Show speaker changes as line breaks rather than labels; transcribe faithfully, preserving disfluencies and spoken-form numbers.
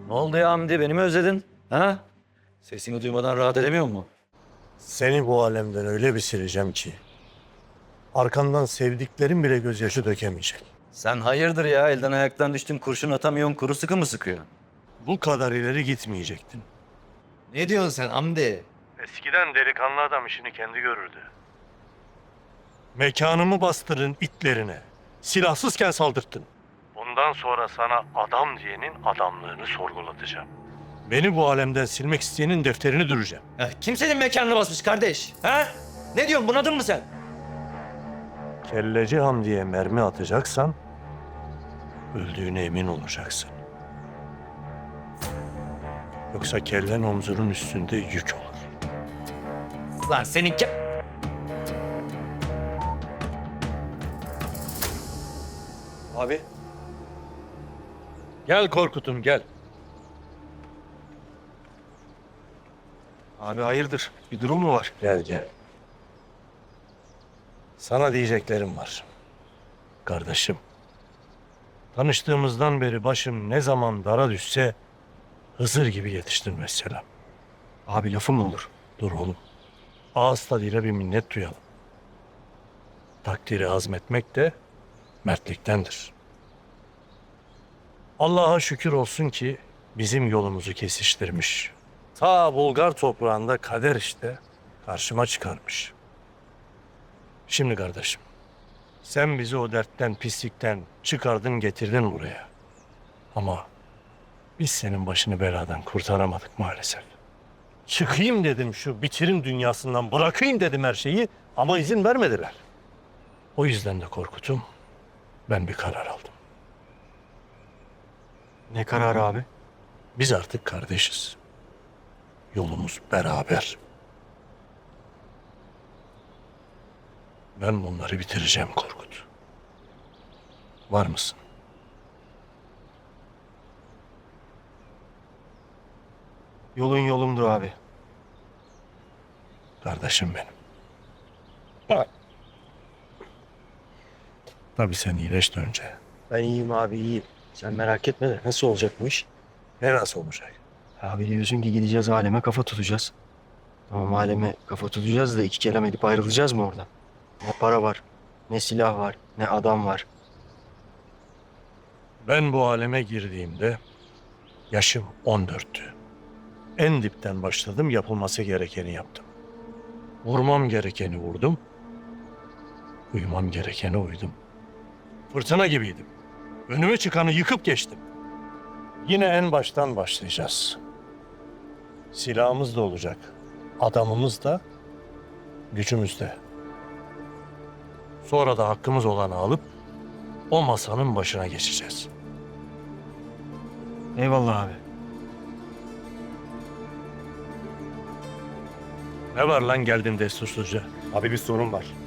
Ne oldu ya Hamdi? Beni mi özledin? Ha? Sesini duymadan rahat edemiyor mu?
Seni bu alemden öyle bir sileceğim ki arkandan sevdiklerin bile gözyaşı dökemeyecek.
Sen hayırdır ya? Elden ayaktan düştün, kurşun atamıyorsun, kuru sıkı mı sıkıyor?
Bu kadar ileri gitmeyecektin.
Ne diyorsun sen Hamdi?
Eskiden delikanlı adam işini kendi görürdü. Mekanımı bastırın itlerine. Silahsızken saldırttın. Bundan sonra sana adam diyenin adamlığını sorgulatacağım. Beni bu alemden silmek isteyenin defterini düreceğim.
Ya kim senin mekanını basmış kardeş? Ha? Ne diyorsun? Bunadın mı sen?
Kelleci Hamdi'ye mermi atacaksan öldüğüne emin olacaksın. Yoksa kellen omzunun üstünde yük olur.
Lan senin ke...
Abi. Gel Korkut'um gel.
Abi hayırdır? Bir durum mu var?
Gel gel. Sana diyeceklerim var. Kardeşim. Tanıştığımızdan beri başım ne zaman dara düşse Hızır gibi yetiştin mesela.
Abi lafım mı olur?
Dur oğlum. Ağız tadıyla bir minnet duyalım. Takdiri azmetmek de mertliktendir. Allah'a şükür olsun ki bizim yolumuzu kesiştirmiş. Ta Bulgar toprağında kader işte karşıma çıkarmış. Şimdi kardeşim, sen bizi o dertten, pislikten çıkardın getirdin buraya. Ama biz senin başını beladan kurtaramadık maalesef. Çıkayım dedim şu bitirim dünyasından, bırakayım dedim her şeyi ama izin vermediler. O yüzden de Korkut'um, ben bir karar aldım.
Ne kararı abi?
Biz artık kardeşiz. Yolumuz beraber. Ben bunları bitireceğim Korkut. Var mısın?
Yolun yolumdur abi.
Kardeşim benim. Tabii sen iyileş de önce.
Ben iyiyim abi iyiyim. Sen merak etme de nasıl olacak bu iş?
Ne nasıl olacak?
Abi diyorsun ki gideceğiz aleme kafa tutacağız. Tamam aleme kafa tutacağız da iki kelam edip ayrılacağız mı oradan? Ne para var, ne silah var, ne adam var.
Ben bu aleme girdiğimde yaşım on dörttü. En dipten başladım, yapılması gerekeni yaptım. Vurmam gerekeni vurdum. Uyumam gerekene uydum. Fırtına gibiydim. Önüme çıkanı yıkıp geçtim. Yine en baştan başlayacağız. Silahımız da olacak. Adamımız da, gücümüz de. Sonra da hakkımız olanı alıp o masanın başına geçeceğiz.
Eyvallah abi.
Ne var lan geldin destursuzca?
Abi bir sorun var.